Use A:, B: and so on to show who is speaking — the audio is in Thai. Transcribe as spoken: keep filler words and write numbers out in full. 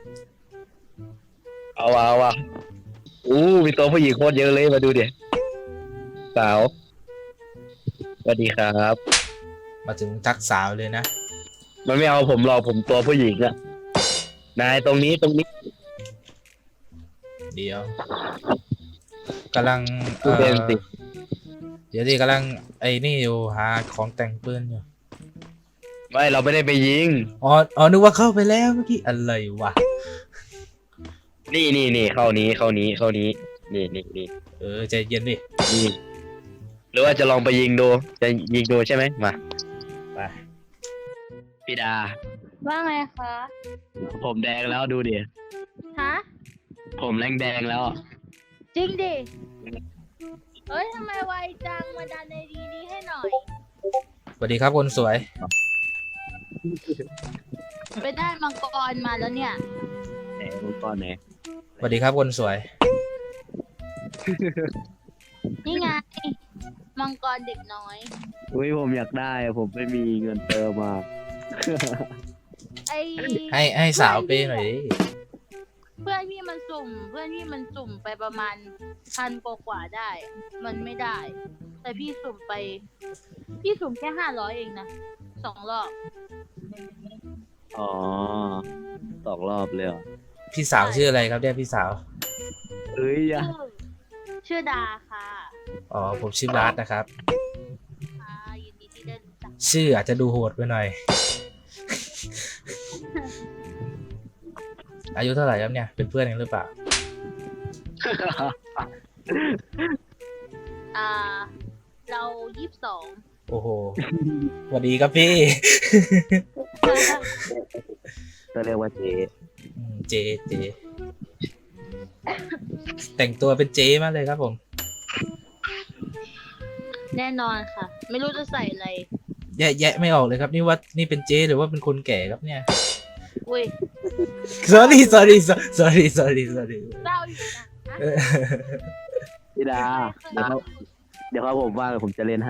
A: เอาเอาอ่ะอู้มีตัวผู้หญิงโคตรเยอะเลยมาดูดิสาวสวัสดีครับ
B: มาถึงทักสาวเลยนะ
A: มันไม่เอาผมหรอกผมตัวผู้หญิงอะนายตรงนี้ตรงนี้
B: เดี๋ยวกำลังเอ
A: ดูเด่น
B: อ
A: สิ
B: เดี๋ยวดิกำลังไอ้นี่อยู่หาของแต่งปืนอยู่
A: ไม่เราไม่ได้ไปยิง
B: อ๋ออ๋อนึกว่าเข้าไปแล้วเมื่อกี้อะไรวะ
A: นี่นี่นี่เข้านี้เข้านี้เข้านี้นี่นี่นี่
B: เออใจเย็นดิ
A: นี่หรือว่าจะลองไปยิงดูจะยิงดูใช่ไหมมา
B: ไป
A: พี่ดา
C: ว่าไงคะ
A: ผมแดงแล้วดูดิ
C: ฮะ
A: ผมแรงแดงแล้ว
C: จริงดิ เฮ้ยทำไมไวจังมาดันในดีนี้ให้หน่อย
B: สวัสดีครับคนสวย
C: ไปได้มังกรมาแล้วเนี่ย
A: ไหนรูปก้อนไหน
B: สวัสดีครับคนสวย
C: นี่ไง มังกรเด็กน้อย
A: อุ้ยผมอยากได้ผมไม่มีเงินเติมมา
C: ไอ
B: ให้ให้สาวเป้หน่อยดิ
C: เพื่อนพี่มันสุ่ม เพื่อนพี่มันสุ่มไปประมาณพันกว่าๆได้ มันไม่ได้ แต่พี่สุ่มไป พี่สุ่มแค่ห้าร้อยเองนะสองรอบ
A: อ๋อสองรอบเลยเหรอ
B: พี่สาวชื่ออะไรครับเนี่ยพี่สาว
A: เอ้ยอย่า
C: ชื่อชื่อดาค่ะ
B: อ๋อผมชื่อบาสนะครับ
C: อ่ายินดีที่ได้รู้จัก
B: ชื่ออาจจะดูโหดไปหน่อย อายุเท่าไหร่ครับเนี่ยเป็นเพื่อนกันหรือเปล่า
C: อ่า เรายี่สิบสอง
B: โอ้โหสวัสดีครับพี่
A: ก็เรียกว่าเจ
B: อืมเจเจแต่งตัวเป็นเจมากเลยครับผม
C: แน่นอนค่ะ ไม่รู้จะใส่อะไร
B: แยะแยะไม่ออกเลยครับนี่ว่านี่เป็นเจหรือว่าเป็นคนแก่ครับเนี่ย
C: อุ้ย
B: sorry sorry sorry sorry sorry
C: เศร้าอยู่นะ
A: พี่ดา เดี๋ยวเขาเดี๋ยวเขาผมว่างผมจะเล่นให้